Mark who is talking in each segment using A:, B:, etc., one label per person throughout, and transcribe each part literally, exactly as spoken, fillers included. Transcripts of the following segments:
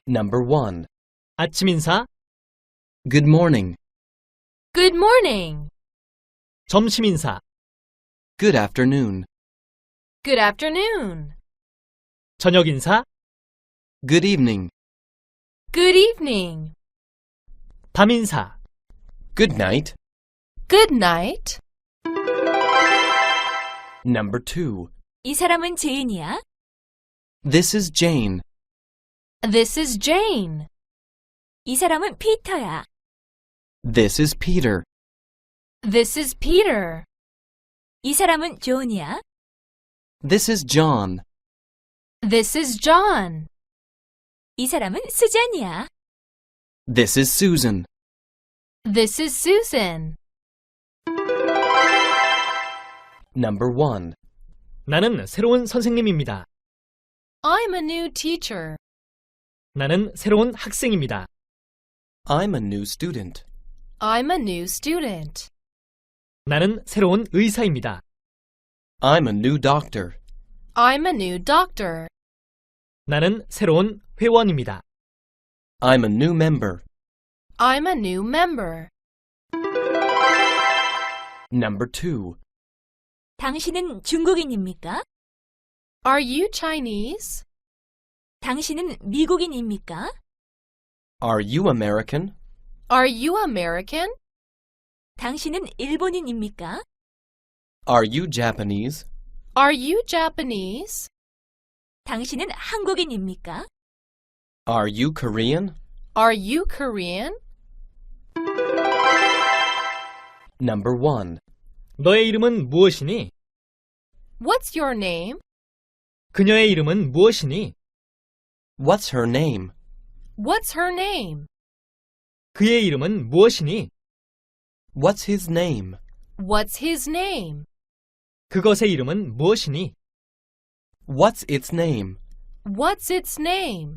A: Number one.
B: 아침 인사,
A: Good morning.
C: Good morning.
B: 점심 인사,
A: Good afternoon.
C: Good afternoon.
B: 저녁 인사,
A: Good evening.
C: Good evening.
B: 밤 인사,
A: Good night.
C: Good night.
A: Number two.
D: 이 사람은 제인이야?
A: This is Jane.
C: This is Jane.
D: 이 사람은 피터야.
A: This is Peter.
C: This is Peter.
D: 이 사람은 존이야?
A: This is John.
C: This is John.
D: 이 사람은 수잔이야.
A: This is Susan.
C: This is Susan.
A: Number one.
B: 나는 새로운 선생님입니다.
C: I'm a new teacher.
B: 나는 새로운 학생입니다.
A: I'm a new student.
C: I'm a new student.
B: 나는 새로운 의사입니다.
A: I'm a new doctor.
C: I'm a new doctor.
B: 나는 새로운 회원입니다.
A: I'm a new member.
C: I'm a new member.
A: Number two.
D: 당신은 중국인입니까?
C: Are you Chinese?
D: 당신은 미국인입니까?
A: Are you American?
C: Are you American?
D: 당신은 일본인입니까?
A: Are you Japanese?
C: Are you Japanese?
D: 당신은 한국인입니까?
A: Are you Korean?
C: Are you Korean?
A: Number one.
B: 너의 이름은 무엇이니?
C: What's your name?
B: 그녀의 이름은 무엇이니?
A: What's her name?
C: What's her name?
B: 그의 이름은 무엇이니?
A: What's his name?
C: What's his name?
B: 그것의 이름은 무엇이니?
A: What's its name?
C: What's its name?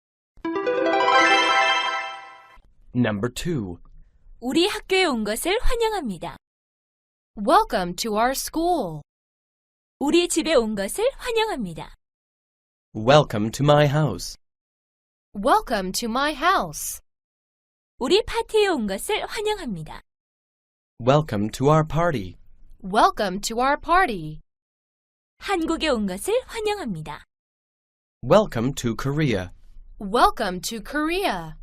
A: Number two.
D: 우리 학교에 온 것을 환영합니다.
C: Welcome to our school.
D: 우리 집에 온 것을 환영합니다.
A: Welcome to my house.
C: Welcome to my house.
D: 우리 파티에 온 것을 환영합니다.
A: Welcome to our party.
C: Welcome to our party.
D: 한국에 온 것을 환영합니다.
A: Welcome to Korea.
C: Welcome to Korea.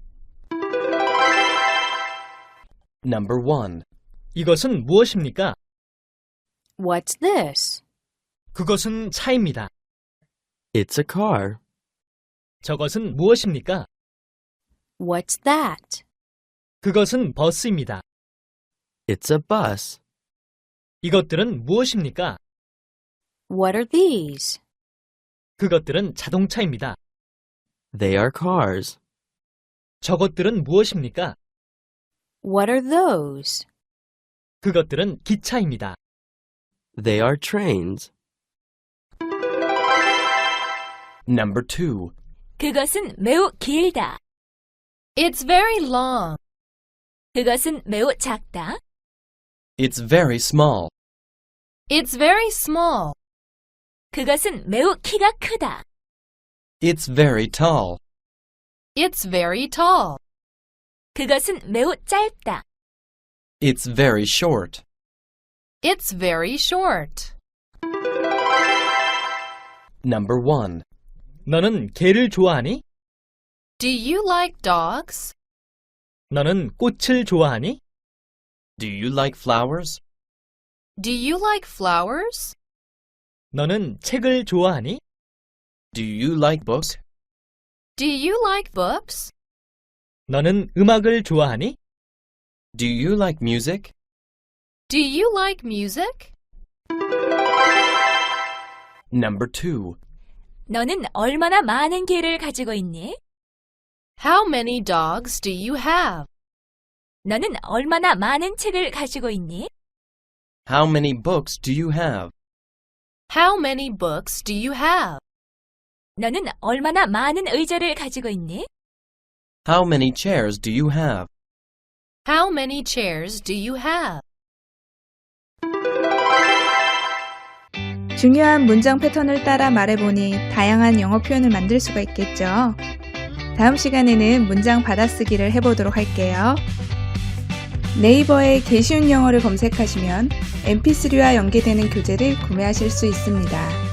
A: Number one.
B: 이것은 무엇입니까?
E: What's this?
B: 그것은 차입니다.
A: It's a car.
B: 저것은 무엇입니까?
E: What's that?
B: 그것은 버스입니다.
A: It's a bus.
B: 이것들은 무엇입니까?
E: What are these?
B: 그것들은 자동차입니다.
A: They are cars.
B: 저것들은 무엇입니까?
E: What are those?
B: 그것들은 기차입니다.
A: They are trains. Number two.
D: 그것은 매우 길다.
C: It's very long.
D: 그것은 매우 작다.
A: It's very small.
C: It's very small.
D: 그것은 매우 키가 크다.
A: It's very tall.
C: It's very tall.
D: 그것은 매우 짧다.
A: It's very short.
C: It's very short.
A: Number one.
B: 너는 개를 좋아하니?
C: Do you like dogs?
B: 너는 꽃을 좋아하니?
A: Do you like flowers?
C: Do you like flowers?
B: 너는 책을 좋아하니?
A: Do you like books?
C: Do you like books?
B: 너는 음악을 좋아하니?
A: Do you like music?
C: Do you like music?
A: Number two.
D: 너는 얼마나 많은 개를 가지고 있니?
C: How many dogs do you have?
D: 너는 얼마나 많은 책을 가지고 있니?
A: How many books do you have?
C: How many books do you have?
D: 너는 얼마나 많은 의자를 가지고 있니?
A: How many chairs do you have?
C: How many chairs do you have?
F: 중요한 문장 패턴을 따라 말해보니 다양한 영어 표현을 만들 수가 있겠죠. 다음 시간에는 문장 받아쓰기를 해보도록 할게요. 네이버에 개쉬운 영어를 검색하시면 엠피쓰리와 연계되는 교재를 구매하실 수 있습니다.